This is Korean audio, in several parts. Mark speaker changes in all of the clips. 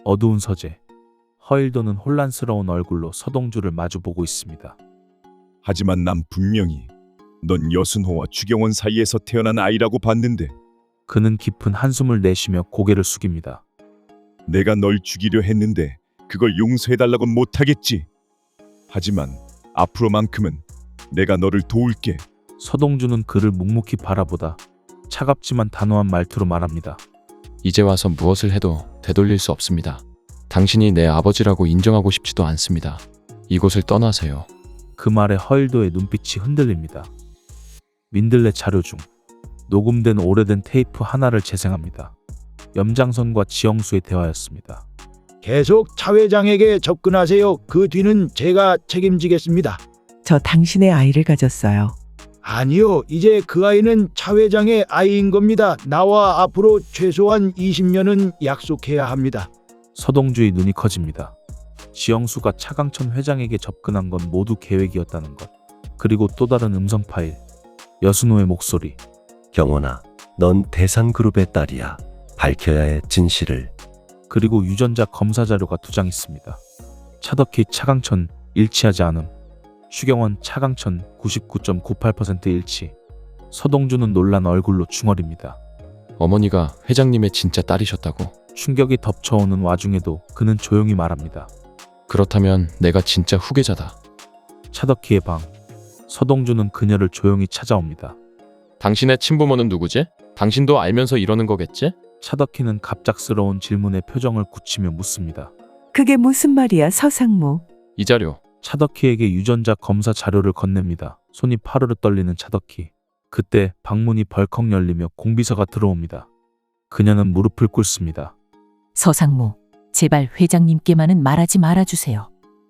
Speaker 1: 어두운 서재. 허일도는 혼란스러운 얼굴로 서동주를 마주보고 있습니다.
Speaker 2: 하지만 난 분명히 넌 여순호와 추경원 사이에서 태어난 아이라고 봤는데
Speaker 1: 그는 깊은 한숨을 내쉬며 고개를 숙입니다.
Speaker 2: 내가 널 죽이려 했는데 그걸 용서해달라곤 못하겠지. 하지만 앞으로만큼은 내가 너를 도울게.
Speaker 1: 서동주는 그를 묵묵히 바라보다 차갑지만 단호한 말투로 말합니다.
Speaker 3: 이제 와서 무엇을 해도 되돌릴 수 없습니다. 당신이 내 아버지라고 인정하고 싶지도 않습니다. 이곳을 떠나세요.
Speaker 1: 그 말에 허일도의 눈빛이 흔들립니다. 민들레 자료 중 녹음된 오래된 테이프 하나를 재생합니다. 염장선과 지영수의 대화였습니다.
Speaker 4: 계속 차 회장에게 접근하세요. 그 뒤는 제가 책임지겠습니다.
Speaker 5: 저 당신의 아이를 가졌어요.
Speaker 4: 아니요, 이제 그 아이는 차 회장의 아이인 겁니다. 나와 앞으로 최소한 20년은 약속해야 합니다.
Speaker 1: 서동주의 눈이 커집니다. 지영수가 차강천 회장에게 접근한 건 모두 계획이었다는 것. 그리고 또 다른 음성 파일. 여순호의 목소리.
Speaker 6: 경원아, 넌 대산그룹의 딸이야. 밝혀야 해 진실을.
Speaker 1: 그리고 유전자 검사 자료가 2장 있습니다. 차덕희 차강천 일치하지 않음. 추경원 차강천 99.98% 일치. 서동주는 놀란 얼굴로 중얼입니다.
Speaker 3: 어머니가 회장님의 진짜 딸이셨다고?
Speaker 1: 충격이 덮쳐오는 와중에도 그는 조용히 말합니다.
Speaker 3: 그렇다면 내가 진짜 후계자다.
Speaker 1: 차덕희의 방. 서동주는 그녀를 조용히 찾아옵니다.
Speaker 3: 당신의 친부모는 누구지? 당신도 알면서 이러는 거겠지?
Speaker 1: 차덕희는 갑작스러운 질문에 표정을 굳히며 묻습니다.
Speaker 5: 그게 무슨 말이야, 서상무.
Speaker 3: 이 자료.
Speaker 1: 차덕희에게 유전자 검사 자료를 건넵니다. 손이 파르르 떨리는 차덕희. 그때 방문이 벌컥 열리며 공비서가 들어옵니다. 그녀는 무릎을 꿇습니다.
Speaker 7: 서상무, 제발 회장님께만은 말하지 말아주세요.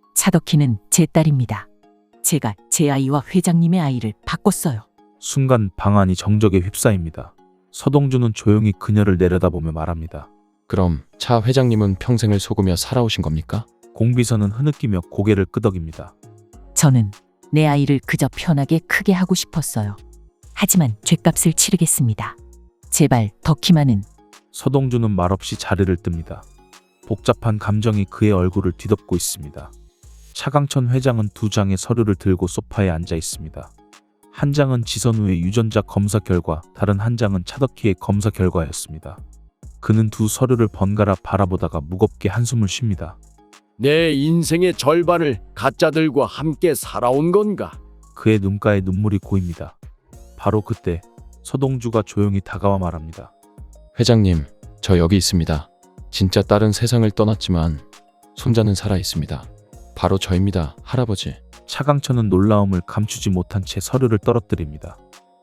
Speaker 7: 차덕희는 제 딸입니다. 제가 제 아이와 회장님의 아이를 바꿨어요.
Speaker 1: 순간 방 안이 정적에 휩싸입니다. 서동주는 조용히 그녀를 내려다보며 말합니다.
Speaker 3: 그럼 차 회장님은 평생을 속으며 살아오신 겁니까?
Speaker 1: 공비서는 흐느끼며 고개를 끄덕입니다.
Speaker 7: 저는 내 아이를 그저 편하게 크게 하고 싶었어요. 하지만 죗값을 치르겠습니다. 제발 덕희만은.
Speaker 1: 서동주는 말없이 자리를 뜹니다. 복잡한 감정이 그의 얼굴을 뒤덮고 있습니다. 차강천 회장은 2장의 서류를 들고 소파에 앉아 있습니다. 한 장은 지선우의 유전자 검사 결과, 다른 한 장은 차덕희의 검사 결과였습니다. 그는 두 서류를 번갈아 바라보다가 무겁게 한숨을 쉽니다.
Speaker 8: 내 인생의 절반을 가짜들과 함께 살아온 건가?
Speaker 1: 그의 눈가에 눈물이 고입니다. 바로 그때 서동주가 조용히 다가와 말합니다.
Speaker 3: 회장님, 저 여기 있습니다. 진짜 딸은 세상을 떠났지만 손자는 살아 있습니다. 바로 저입니다, 할아버지.
Speaker 1: 차강천은 놀라움을 감추지 못한 채 서류를 떨어뜨립니다.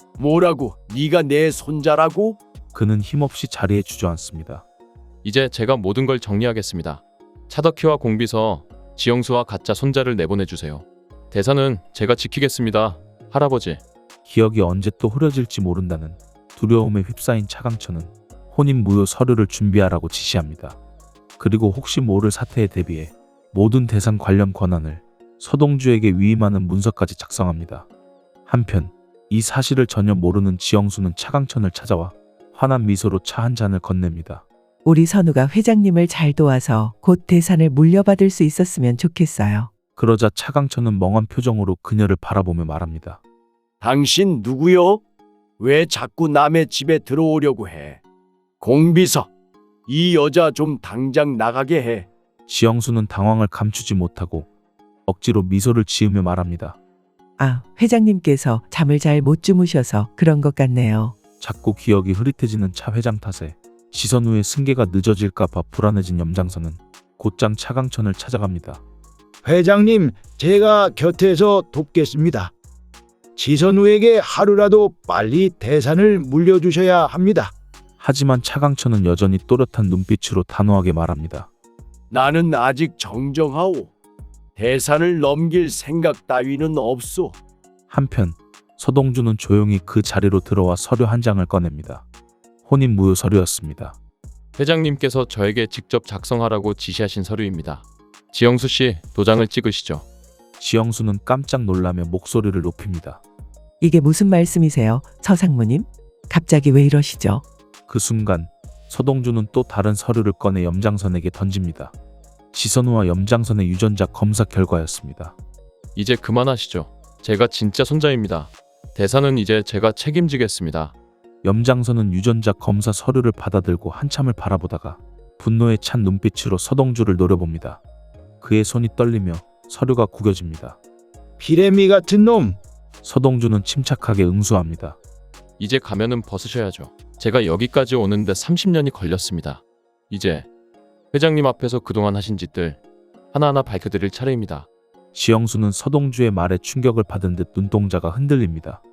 Speaker 8: 뭐라고? 네가 내 손자라고?
Speaker 1: 그는 힘없이 자리에 주저앉습니다.
Speaker 3: 이제 제가 모든 걸 정리하겠습니다. 차덕희와 공비서, 지영수와 가짜 손자를 내보내주세요. 대사는 제가 지키겠습니다, 할아버지.
Speaker 1: 기억이 언제 또 흐려질지 모른다는 두려움에 휩싸인 차강천은 혼인 무효 서류를 준비하라고 지시합니다. 그리고 혹시 모를 사태에 대비해 모든 대상 관련 권한을 서동주에게 위임하는 문서까지 작성합니다. 한편 이 사실을 전혀 모르는 지영수는 차강천을 찾아와 환한 미소로 차 한 잔을 건넵니다.
Speaker 5: 우리 선우가 회장님을 잘 도와서 곧 대산을 물려받을 수 있었으면 좋겠어요.
Speaker 1: 그러자 차강천은 멍한 표정으로 그녀를 바라보며 말합니다.
Speaker 8: 당신 누구요? 왜 자꾸 남의 집에 들어오려고 해? 공비서, 이 여자 좀 당장 나가게 해.
Speaker 1: 지영수는 당황을 감추지 못하고 억지로 미소를 지으며 말합니다.
Speaker 5: 아, 회장님께서 잠을 잘 못 주무셔서 그런 것 같네요.
Speaker 1: 자꾸 기억이 흐릿해지는 차 회장 탓에 지선우의 승계가 늦어질까봐 불안해진 염장선은 곧장 차강천을 찾아갑니다.
Speaker 4: 회장님, 제가 곁에서 돕겠습니다. 지선우에게 하루라도 빨리 대산을 물려주셔야 합니다.
Speaker 1: 하지만 차강천은 여전히 또렷한 눈빛으로 단호하게 말합니다.
Speaker 8: 나는 아직 정정하오. 대산을 넘길 생각 따위는 없소.
Speaker 1: 한편 서동주는 조용히 그 자리로 들어와 서류 한 장을 꺼냅니다. 혼인 무효 서류였습니다.
Speaker 3: 회장님께서 저에게 직접 작성하라고 지시하신 서류입니다. 지영수 씨, 도장을 찍으시죠.
Speaker 1: 지영수는 깜짝 놀라며 목소리를 높입니다.
Speaker 5: 이게 무슨 말씀이세요, 서상무님? 갑자기 왜 이러시죠?
Speaker 1: 그 순간 서동주는 또 다른 서류를 꺼내 염장선에게 던집니다. 지선우와 염장선의 유전자 검사 결과였습니다.
Speaker 3: 이제 그만하시죠. 제가 진짜 손자입니다. 대사는 이제 제가 책임지겠습니다.
Speaker 1: 염장선은 유전자 검사 서류를 받아들고 한참을 바라보다가 분노에 찬 눈빛으로 서동주를 노려봅니다. 그의 손이 떨리며 서류가 구겨집니다.
Speaker 4: 비레미 같은 놈.
Speaker 1: 서동주는 침착하게 응수합니다.
Speaker 3: 이제 가면은 벗으셔야죠. 제가 여기까지 오는데 30년이 걸렸습니다. 이제 회장님 앞에서 그동안 하신 짓들 하나하나 밝혀드릴 차례입니다.
Speaker 1: 지영수는 서동주의 말에 충격을 받은 듯 눈동자가 흔들립니다.